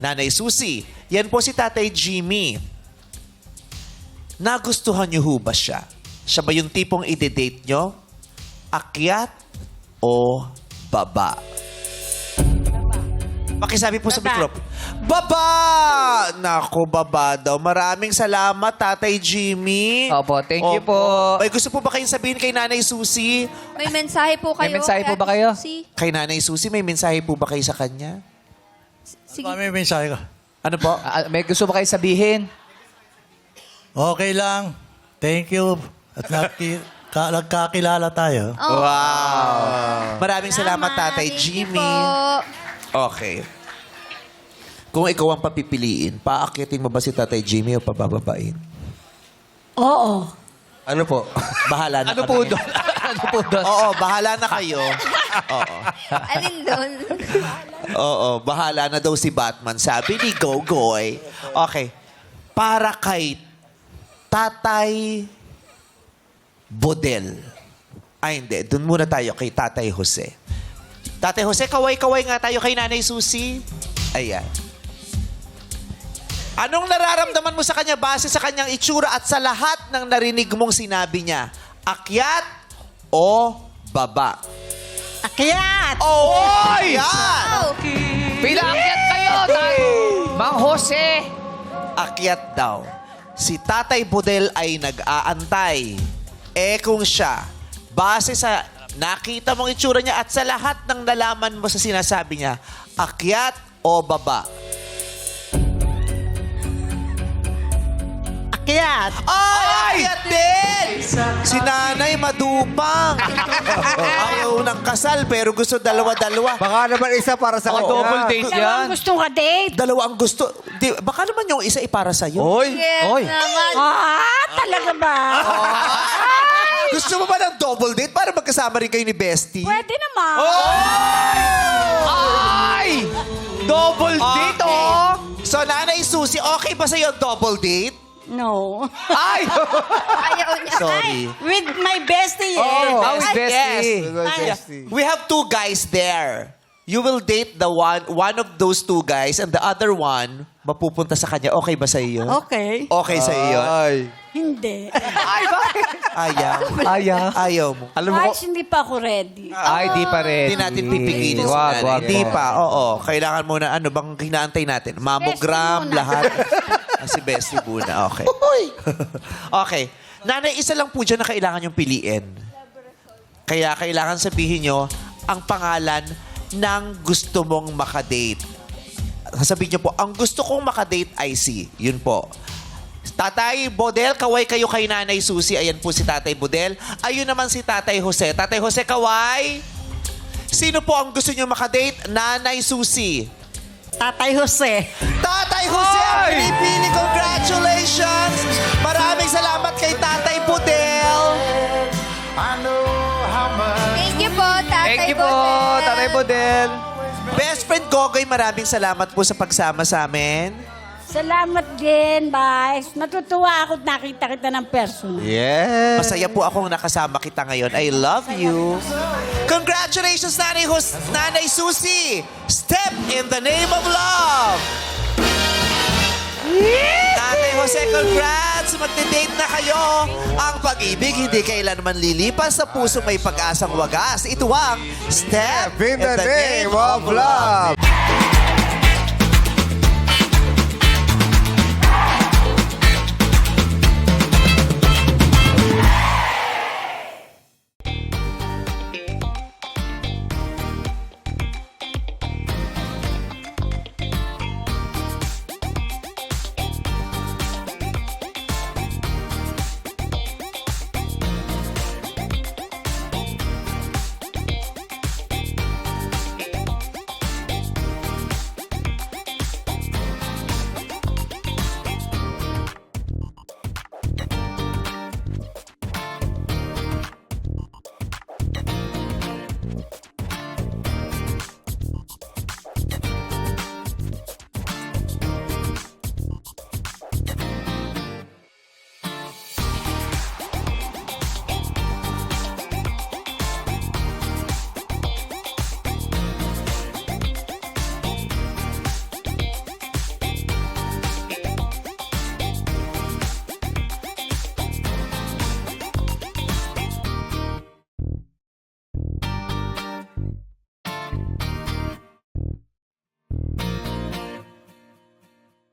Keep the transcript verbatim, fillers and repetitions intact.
Nanay Susie. Yan po si Tatay Jimmy. Nagustuhan niyo ho ba siya? Siya ba yung tipong ide-date nyo? Akyat o baba? Pakisabi po sa Baba. mikropono. Baba! Nako, baba daw. Maraming salamat, Tatay Jimmy. Opo, thank you Opo. po. May gusto po ba kayong sabihin kay Nanay Susie? May mensahe po kayo. May mensahe po kay ba kayo? Susie? Kay Nanay Susie, may mensahe po ba kayo sa kanya? Sige. Ano may mensahe ka? Ano po? Ah, may gusto ba kayo sabihin? Okay lang. Thank you. At nagki- ka- nagkakilala tayo. Oh. Wow! Maraming salamat, Tatay Thank you Jimmy. po. Okay. Kung ikaw ang papipiliin, paakyatin mo ba si Tatay Jimmy o pabababain? Oo. Ano po? Bahala na Ano kami. po doon? Ano po doon? Oo, bahala na kayo. Oo. Alin doon? Oo, bahala na daw si Batman. Sabi ni Gogoy. Okay. Para kay Tatay Bodel. Ay, hindi. Doon muna tayo kay Tatay Jose. Tatay Jose, kaway-kaway nga tayo kay Nanay Susie. Ayan. Anong nararamdaman mo sa kanya base sa kanyang itsura at sa lahat ng narinig mong sinabi niya? Akyat o baba? Akyat! Oh! Ayan! Oh. Pinaakyat kayo, tay! Mang Jose! Akyat daw. Si Tatay Bodel ay nag-aantay. Eh kung siya, base sa nakita mong itsura niya at sa lahat ng nalaman mo sa sinasabi niya, akyat o baba? Akyat! Ay! Akyat din! Si Nanay madupang. Ayaw ng kasal pero gusto dalawa-dalawa. Baka naman isa para sa Baka kanya. double date yan. Dalawang gustong ka-date. Dalawa ang gusto. Di, baka naman yung isa ipara sa'yo. Oy! Yes Oy. naman. Ah, talaga ba? Gusto mo ba ng double date para magkasama rin kayo ni Bestie? Pwede naman. Ay! Double date, Okay. oh! So, Nanay Susie, okay ba sa'yo double date? No. Ay! Ayaw niya. Sorry. With my bestie, eh. Oh, with Ay, bestie. yes. We have two guys there. You will date the one one of those two guys and the other one mapupunta sa kanya. Okay ba sa iyo? Okay. Okay sa iyo. Ay. Hindi. Ay, bakit? Ayaw. Ayaw. Ayaw mo. Alam mo Ay, ko, hindi pa ako ready. ay, di pa rin. Hindi natin pipigilin si Wag, nanay. wag, Hindi wag. pa. Oo. Kailangan muna, ano bang hinaantay natin? Mammogram, Bestie muna. lahat. Ah, si Bestie muna. Okay. Okay. Nanay, isa lang po dyan na kailangan yung piliin. Kaya kailangan sabihin nyo ang pangalan ng gusto mong makadate. Sasabihin nyo po, ang gusto kong makadate ay si. Yun po. Tatay Bodel, kaway kayo kay Nanay Susie. Ayan po si Tatay Bodel. Ayun naman si Tatay Jose. Tatay Jose, kaway. Sino po ang gusto nyo makadate? Nanay Susie. Tatay Jose. Tatay Jose ang pinipili. Congratulations! Maraming salamat kay Tatay Bodel. Thank you po, Tatay Thank you po, Bodel. Tatay Bodel. Best friend Gogoy, maraming salamat po sa pagsama sa amin. Salamat din, bye. Natutuwa ako at nakita kita ng personal. Yes. Masaya po akong nakasama kita ngayon. I love you. Congratulations, Nanay, Hus- Nanay Susie! Step in the name of love! Tatay Jose, congrats! Magde-date na kayo! Ang pag-ibig hindi kailanman lilipas sa puso may pag-asang wagas. Ito ang Step In the name of love.